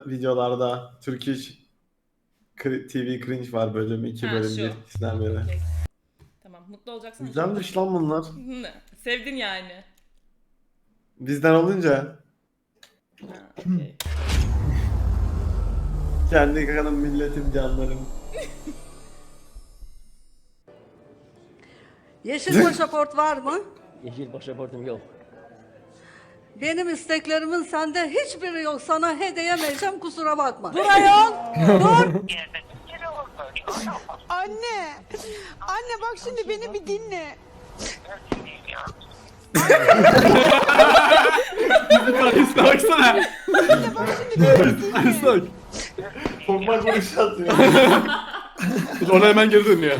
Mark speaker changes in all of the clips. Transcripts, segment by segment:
Speaker 1: videolarda Turkish TV cringe var bölüm 2
Speaker 2: Ha,
Speaker 1: bölüm
Speaker 2: şu.
Speaker 1: 1 ikisinden beri.
Speaker 2: Okey. Tamam, mutlu olacaksın.
Speaker 1: Güzelmiş lan bunlar.
Speaker 2: Sevdin yani.
Speaker 1: Bizden olunca
Speaker 2: Ha, okey.
Speaker 1: kendi kanım milletim canlarım.
Speaker 3: Yeşil pasaport var mı?
Speaker 4: Yeşil pasaportum yok.
Speaker 3: Benim isteklerimin sende hiçbiri yok. Sana hediyemeyeceğim, kusura bakma. Dur ayol! Dur!
Speaker 5: Anne! Anne bak şimdi beni bir dinle.
Speaker 6: Üstüne baksana.
Speaker 5: Anne bak şimdi beni bir dinle.
Speaker 6: Üstüne bak.
Speaker 1: Korkmak vuruş atıyor.
Speaker 6: Ona hemen geri dönüyor.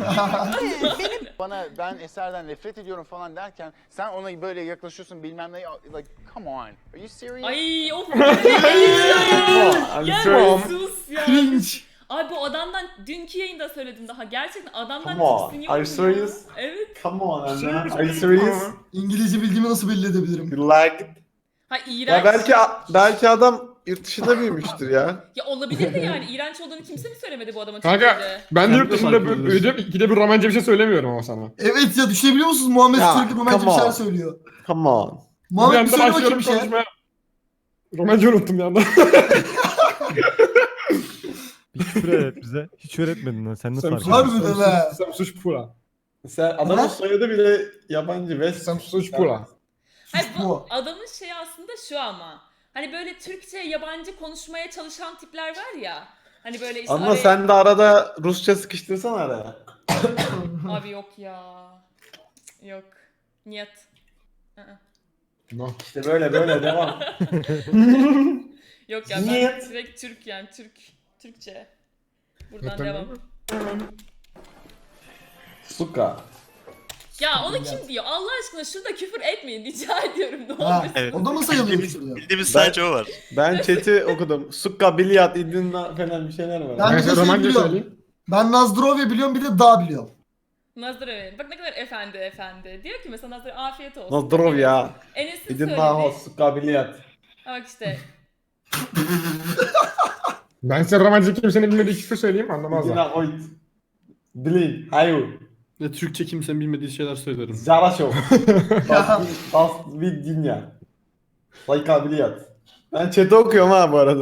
Speaker 7: Bana ben Eser'den nefret ediyorum falan derken sen ona böyle yaklaşıyorsun bilmem ne like come on. Are you serious?
Speaker 2: Ay of.
Speaker 1: I'm
Speaker 2: Ya
Speaker 1: serious.
Speaker 2: sus ya.
Speaker 6: Cringe.
Speaker 2: Abi bu adamdan dünkü yayında söyledim daha. Gerçekten adamdan
Speaker 1: Come on.
Speaker 2: tiksiniyorum
Speaker 1: Are
Speaker 2: ya.
Speaker 1: you serious?
Speaker 2: Evet.
Speaker 1: Come on Anna. Are you serious?
Speaker 8: İngilizce bildiğimi nasıl belli edebilirim?
Speaker 1: You like it?
Speaker 2: Ha
Speaker 1: Ya
Speaker 2: iğrenç.
Speaker 1: belki adam yurt dışında büyümüştür ya.
Speaker 2: Ya olabilir de yani iğrenç olduğunu kimse mi söylemedi bu adamın
Speaker 6: Kanka
Speaker 2: Türkiye'de?
Speaker 6: ben de yurt
Speaker 1: Kendi
Speaker 6: dışında
Speaker 1: farkındasın.
Speaker 6: büyüdüm. İkide bir romanca bir şey söylemiyorum ama sana.
Speaker 8: Evet ya, düşünebiliyor musunuz? Muhammed
Speaker 1: Ya,
Speaker 8: sürekli romantik bir
Speaker 1: come
Speaker 8: şeyler
Speaker 1: on.
Speaker 8: söylüyor.
Speaker 1: Come on.
Speaker 6: Bir
Speaker 8: Muhammed bir
Speaker 6: anda
Speaker 8: söyle bakayım
Speaker 6: başlıyorum
Speaker 8: bir şey.
Speaker 6: konuşmaya. Romanca unuttum bir anda.
Speaker 9: Bir küfür öğret bize. Hiç öğretmedin lan. Sen nasıl fark
Speaker 6: Sen-
Speaker 9: ediyorsun?
Speaker 8: Harbiden ha.
Speaker 6: Sen suç pula.
Speaker 1: Sen adamın
Speaker 8: Ha?
Speaker 1: soyadı bile yabancı ve
Speaker 6: Sen suç pula.
Speaker 2: Hayır bu
Speaker 8: bu.
Speaker 2: adamın şeyi aslında şu ama. Hani böyle Türkçe yabancı konuşmaya çalışan tipler var ya. Hani böyle işte
Speaker 1: Ama
Speaker 2: araya-
Speaker 1: sen de arada Rusça sıkıştırsana araya.
Speaker 2: Abi yok ya. Yok. Niyet.
Speaker 6: No.
Speaker 1: İşte böyle devam.
Speaker 2: Yok ya ben
Speaker 1: Niyet.
Speaker 2: direkt Türk yani Türkçe. Buradan
Speaker 6: Zaten
Speaker 2: devam.
Speaker 1: Suka.
Speaker 2: Ya onu kim diyor? Allah aşkına şurada küfür etmeyin rica ediyorum ne
Speaker 8: Ha,
Speaker 2: olur.
Speaker 9: Evet.
Speaker 8: o da mı sayılıyor şurada?
Speaker 9: Bildiğimiz
Speaker 1: Ben-
Speaker 9: sadece o var.
Speaker 1: Ben chat'i okudum. Suka, bilyat, idinna falan bir şeyler var.
Speaker 8: Ben
Speaker 6: Ben
Speaker 8: bir de
Speaker 6: size
Speaker 8: şey
Speaker 6: romanca
Speaker 8: biliyorum.
Speaker 6: söyleyeyim.
Speaker 8: Ben Nazdrovya biliyorum, bir de dağ biliyorum.
Speaker 2: Nazır Öğren. Bak ne kadar efendi. Diyor ki mesela Nazır afiyet olsun.
Speaker 1: Nazdrov ya.
Speaker 2: Enes'in
Speaker 1: İdinna
Speaker 2: söyledi.
Speaker 1: ho, suka, bilyat.
Speaker 2: Bak işte.
Speaker 6: Ben size romanca kimsenin bilmediği küfür söyleyeyim anlamazlar.
Speaker 1: İdinna hoyt. Bilin, hayu.
Speaker 6: Ve Türkçe kimsenin bilmediği şeyler söylerim.
Speaker 1: Zaraşov. Das vidinya. Sayka, bilyat. Ben chat'i okuyorum ha bu arada.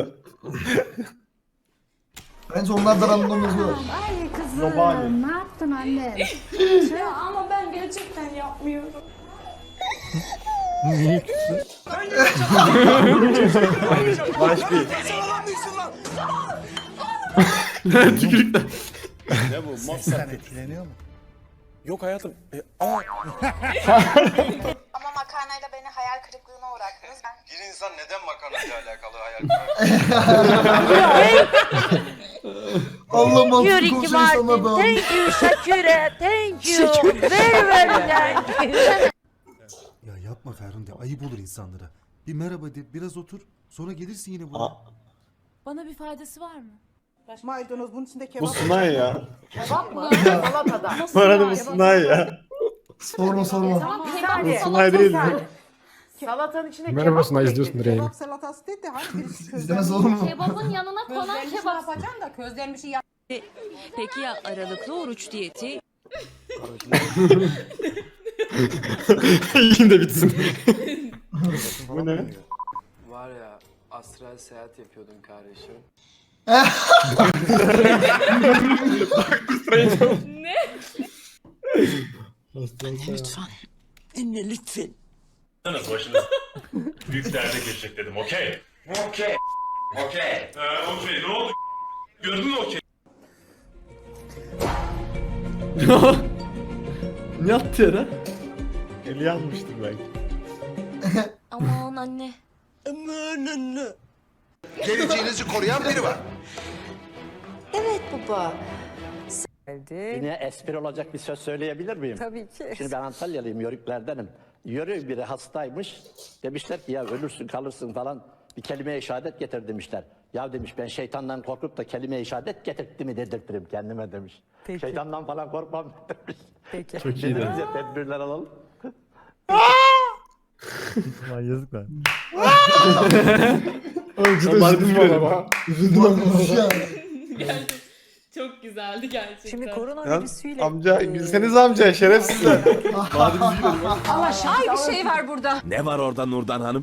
Speaker 8: Bence onlar da random yazıyorlar.
Speaker 10: Ay kızım
Speaker 1: Yobani.
Speaker 10: ne yaptın anne?
Speaker 5: Ya ama ben gerçekten yapmıyorum.
Speaker 9: Niye küfür?
Speaker 1: Baş bir.
Speaker 6: Tükürükler.
Speaker 7: Ne bu? Mostar
Speaker 8: etkileniyor mu?
Speaker 7: Yok hayatım.
Speaker 5: Ama makarnayla beni hayal kırıklığına uğrattınız.
Speaker 11: Bir insan neden makarnayla alakalı hayal
Speaker 8: Allah mantıklı konuşan insanlar da.
Speaker 10: Thank you Shakira. Thank you. Very very thank you.
Speaker 12: Ya yapma Ferhunde, ayıp olur insanlara. Bir merhaba de, biraz otur. Sonra gelirsin yine buraya.
Speaker 1: Aa,
Speaker 10: Bana bir faydası var mı?
Speaker 5: Maydanoz bunun içinde
Speaker 1: bu
Speaker 5: kebap.
Speaker 1: Sunay ya.
Speaker 5: Kebap mı? Salatada.
Speaker 1: Bu arada bu Sunay ya.
Speaker 8: Sorma.
Speaker 1: Bu Sunay değil mi?
Speaker 5: Salatanın içine
Speaker 6: Merhaba Sunay, izliyorsundur yayını.
Speaker 5: Kebap salatası değil de hangi birisi
Speaker 8: İzlemez olur mu?
Speaker 10: Kebabın yanına konan
Speaker 5: Közlenmiş ne yapacaksın da közlenmişi yap.
Speaker 10: Peki ya aralıklı oruç diyeti?
Speaker 6: Yine de bitsin.
Speaker 1: Bu ne?
Speaker 11: Var ya astral seyahat yapıyordum kardeşim.
Speaker 2: Ne?
Speaker 10: Lütfen. Dinle lütfen.
Speaker 11: Başınız büyük derde girecek dedim. Okey. Okey. Ne oldu? Gördün mü okey?
Speaker 6: Ne yaptı ya da?
Speaker 1: Eli yanmıştır belki.
Speaker 10: Aman anne.
Speaker 11: Geleceğinizi koruyan biri var.
Speaker 10: Evet baba.
Speaker 4: Yine espri olacak bir söz söyleyebilir miyim?
Speaker 5: Tabii ki.
Speaker 4: Şimdi ben Antalyalıyım, Yörüklerdenim. Yörük biri hastaymış. Demişler ki ya ölürsün kalırsın falan. Bir kelime-i şehadet getir demişler. Ya demiş ben şeytandan korkup da kelime-i şehadet getirtti mi dedirtirim kendime demiş.
Speaker 5: Peki.
Speaker 4: Şeytandan falan korkmam demiş.
Speaker 5: Peki.
Speaker 6: Çok iyi de.
Speaker 4: Dediniz ya tedbirler alalım.
Speaker 9: Lan yazık lan.
Speaker 1: Cidden üzüldüm valla.
Speaker 8: Üzüldüm arkadaşlar.
Speaker 2: Geldi. Çok güzeldi gerçekten.
Speaker 10: Şimdi korona
Speaker 1: Lan
Speaker 10: virüsüyle...
Speaker 1: amca bilseniz amca şerefsizler.
Speaker 6: Hadi biz gidelim.
Speaker 5: Ay bir şey var burada.
Speaker 9: Ne var orada Nurdan Hanım?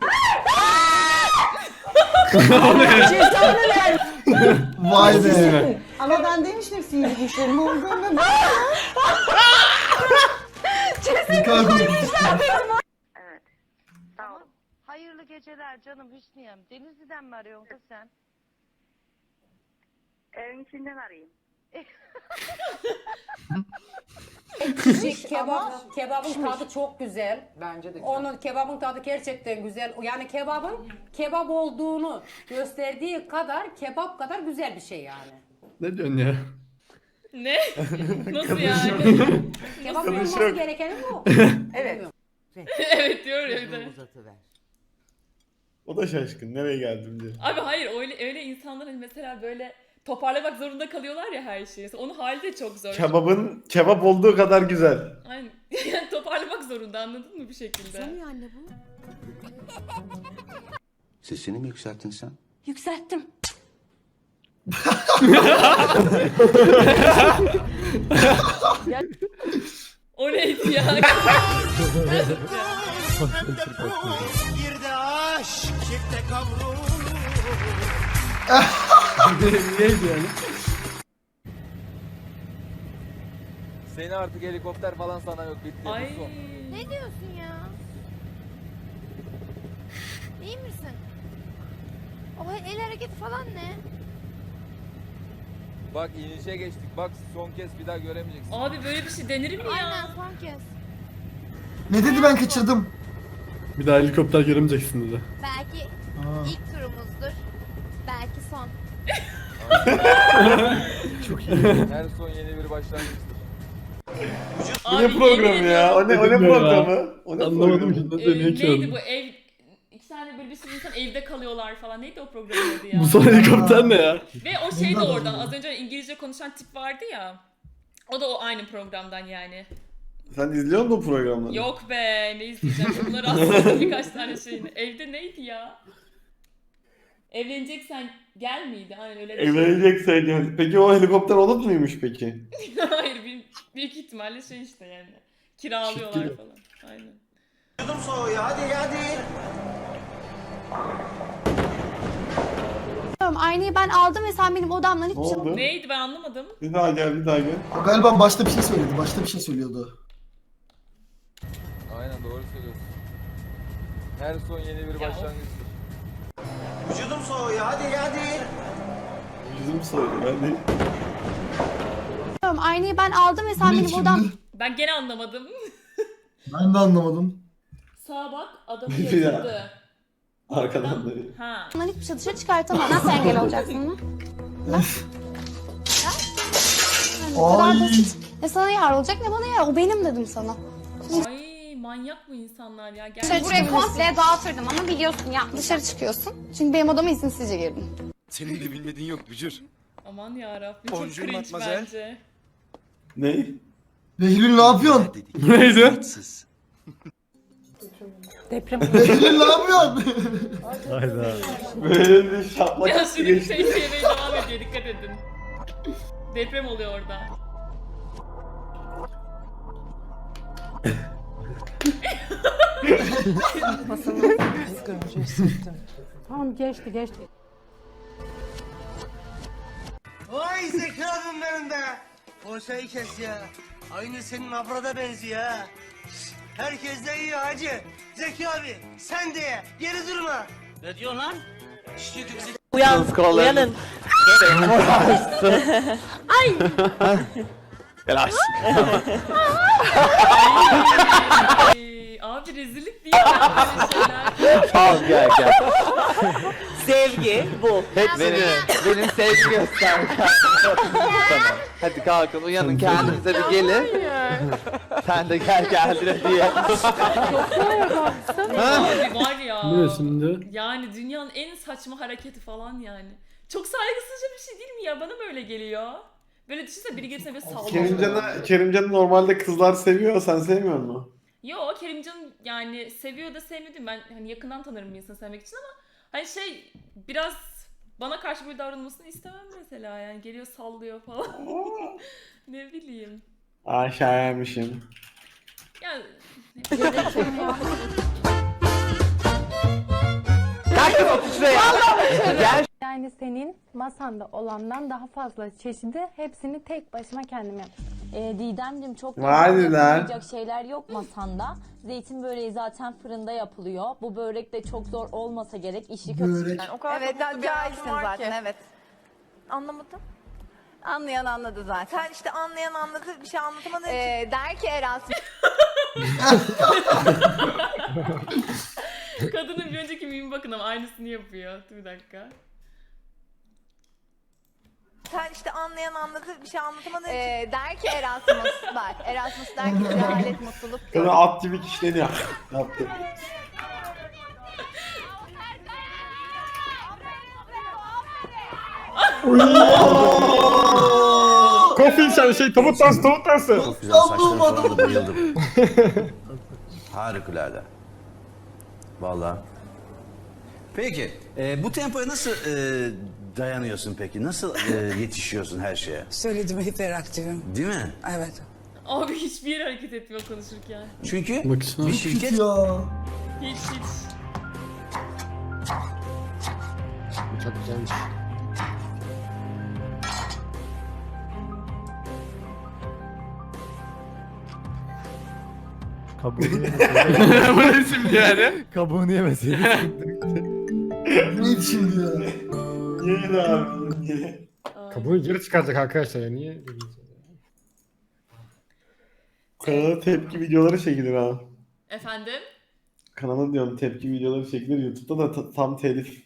Speaker 8: Vay be.
Speaker 5: Ama ben demiştim sihirli güçlerim olduğunu.
Speaker 8: Ne kadar komik.
Speaker 10: Evet. Tamam. Hayırlı geceler canım Hüsniyem. Denizli'den mi arıyorsun kız sen? Evin içinden arayayım.
Speaker 3: Kebabın tadı çok güzel.
Speaker 5: Bence de
Speaker 3: Onun kebabın tadı gerçekten güzel. Yani kebabın kebap olduğunu gösterdiği kadar kebap kadar güzel bir şey yani.
Speaker 6: Ne diyorsun ya?
Speaker 2: Ne? Nasıl yani?
Speaker 3: Kebap
Speaker 1: Kadın
Speaker 3: olması
Speaker 1: şok.
Speaker 3: gerekeni bu.
Speaker 5: Evet.
Speaker 2: Evet diyor ya bir de.
Speaker 1: O da şaşkın. Nereye geldim diye.
Speaker 2: Abi hayır öyle insanlar hani mesela böyle toparlamak zorunda kalıyorlar ya her şeyi. Mesela onun hali de çok zor.
Speaker 1: Kebabın kebap olduğu kadar güzel.
Speaker 2: Aynen. Yani toparlamak zorunda anladın mı bir şekilde?
Speaker 5: Anne bu.
Speaker 12: Sesini mi yükselttin sen?
Speaker 5: Yükselttim.
Speaker 2: O neydi ya?
Speaker 6: Neydi yani?
Speaker 9: Seni artık helikopter falan sana yok bitti.
Speaker 2: Ay.
Speaker 10: Ne diyorsun ya? İyi misin? O el hareketi falan ne?
Speaker 9: Bak inişe geçtik. Bak son kez bir daha göremeyeceksin.
Speaker 2: Abi böyle bir şey denir mi ya?
Speaker 10: Aynen son kez.
Speaker 8: Ne dedi ben kaçırdım.
Speaker 6: Bir daha helikopter göremeyeceksin dedi.
Speaker 10: Belki ilk turumuzdur. Belki son.
Speaker 9: Her son yeni bir başlangıçtır.
Speaker 1: Bu ne programı ya? O ne programı? O ne
Speaker 6: Anlamadım
Speaker 1: programı?
Speaker 6: ki ne dönüyor ki
Speaker 2: Neydi
Speaker 6: oğlum.
Speaker 2: bu ev? İki tane böyle bir sürü insan evde kalıyorlar falan. Neydi o programın adı ya?
Speaker 6: Bu son helikopter ne ya?
Speaker 2: Ve o şey de
Speaker 8: Bundan
Speaker 2: oradan.
Speaker 8: da-
Speaker 2: Az önce İngilizce konuşan tip vardı ya. O da o aynı programdan yani.
Speaker 1: Sen izliyor musun o programları?
Speaker 2: Yok be ne izleyeceğim. Bunları aslında birkaç tane şeyini. Evde neydi ya? Evleneceksen gel miydi? Aynen öyle bir şey.
Speaker 1: Evleneceksen gel. Peki o helikopter onun muymuş peki?
Speaker 2: Hayır büyük ihtimalle şey işte yani. Kiralıyorlar
Speaker 6: Çift
Speaker 2: falan. Aynen.
Speaker 10: Aynayı ben aldım ve sen benim odamdan
Speaker 1: Ne oldu?
Speaker 2: Neydi ben anlamadım.
Speaker 1: Bir daha gel, bir daha gel.
Speaker 8: O galiba başta bir şey söyledi. Başta bir şey söylüyordu.
Speaker 9: Aynen doğru söylüyorsun. Her son yeni bir başlangıçtır.
Speaker 1: Yüzüm soydu ben de.
Speaker 10: Aynayı ben aldım ve sen
Speaker 8: Ne
Speaker 10: benim
Speaker 8: şimdi?
Speaker 10: odam...
Speaker 2: Ben gene anlamadım.
Speaker 8: Ben de anlamadım.
Speaker 2: Sağa bak adamı
Speaker 1: Bir daha.
Speaker 2: yatırdı.
Speaker 1: Arkadan da.
Speaker 2: Ha.
Speaker 10: Ondan hiçbir şey dışarı çıkartamam. Nasıl engel olacaksın ona? Bu kadar
Speaker 8: Ay.
Speaker 10: basit. Ne sana yar olacak ne bana yar. O benim dedim sana.
Speaker 2: Ay manyak mı insanlar ya?
Speaker 10: Dışarı
Speaker 2: Gerçekten.
Speaker 10: buraya komple dağıtırdım ama biliyorsun ya. Dışarı çıkıyorsun. Çünkü benim odama izinsizce girdin.
Speaker 12: Senin de bilmediğin yok Bücür.
Speaker 2: Aman yarabbim çok
Speaker 12: Bonjour,
Speaker 2: cringe
Speaker 12: mademoiselle.
Speaker 2: bence.
Speaker 1: Ne?
Speaker 8: Behlül ne yapıyorsun?
Speaker 6: Neydi?
Speaker 8: Behlül ne yapıyorsun?
Speaker 9: Hayda.
Speaker 1: Böyle bir şaplak
Speaker 2: Ya
Speaker 1: hissi
Speaker 2: sürekli
Speaker 1: geçti.
Speaker 2: şey yemeye devam ediyor dikkat edin. Deprem oluyor orada.
Speaker 3: Tamam geçti.
Speaker 5: Vay zekâdım benim be. Boşayı kes ya. Aynı senin abrada benziyor ha. Herkes de iyi hacı. Zeki abi sen de ye. Geri durma. Ne diyorsun lan?
Speaker 10: Uyanın.
Speaker 2: Ay, abi rezillik değil mi böyle şeyler?
Speaker 9: Tamam gel gel.
Speaker 10: Sevgi bu.
Speaker 9: Benim sevgi göster. Tamam. Hadi kalkın uyanın kendinize bir gelin. Sen de gel diye.
Speaker 2: Abi var ya.
Speaker 6: Ne şimdi?
Speaker 2: Yani dünyanın en saçma hareketi falan yani. Çok saygısızca bir şey değil mi ya? Bana böyle geliyor. Böyle düşünsene biri gelirse böyle sallıyor.
Speaker 1: Kerimcan'ı normalde kızlar seviyor, sen sevmiyor musun?
Speaker 2: Yo Kerimcan yani seviyor da sevmedim ben hani yakından tanırım bir insanı sevmek için ama Hani şey biraz bana karşı böyle davranılmasını istemem mesela yani geliyor sallıyor falan. Ne bileyim.
Speaker 1: Aşağıymışım.
Speaker 2: Yani
Speaker 9: Herkes otur şuraya. Gel.
Speaker 10: Yani senin masanda olandan daha fazla çeşidi hepsini tek başıma kendim yaptım. Didemciğim çok
Speaker 1: Hadi lan.
Speaker 10: yapılmayacak şeyler yok masanda. Zeytin böreği zaten fırında yapılıyor. Bu börek de çok zor olmasa gerek. İşi
Speaker 8: Börek.
Speaker 10: O kadar evet, cahilsin zaten evet.
Speaker 3: Anlamadım.
Speaker 10: Anlayan anladı zaten.
Speaker 3: Sen işte anlayan anladı, bir şey anlatamadığın
Speaker 10: Der ki Erasmus.
Speaker 2: kadının bir önceki meme bakın ama aynısını yapıyor. Dur bir dakika.
Speaker 3: sen işte anlayan anladı, bir şey anlatamadığın
Speaker 10: Der ki Erasmus var. Erasmus der ki cehalet mutluluk.
Speaker 1: Kadın at gibi kişileniyor. Yaptı.
Speaker 6: Kofin sen şey tavuk dansı tavuk dansı.
Speaker 8: Çok güzel saçların falan da
Speaker 5: bayıldım. Harikulade. Vallahi. Peki, bu tempoya nasıl dayanıyorsun peki? Nasıl yetişiyorsun her şeye?
Speaker 3: Söyledim hiperaktifim.
Speaker 5: Değil mi?
Speaker 3: Evet.
Speaker 2: Abi hiçbir yere hareket etmiyor konuşurken.
Speaker 5: Çünkü
Speaker 6: Baksana.
Speaker 5: bir şirket
Speaker 8: Ya.
Speaker 2: Hiç.
Speaker 6: Çok güzelmiş.
Speaker 12: Kabuğunu
Speaker 6: Bu ne şimdi yani?
Speaker 12: Kabuğunu yemeseydik.
Speaker 8: Neydi şimdi ya?
Speaker 1: Niye abi? Niye?
Speaker 6: Kabuğu geri çıkaracak arkadaşlar ya niye?
Speaker 1: Kanala tepki videoları çekilir ha.
Speaker 2: Efendim?
Speaker 1: Kanala diyorum tepki videoları çekilir. YouTube'da da tam telif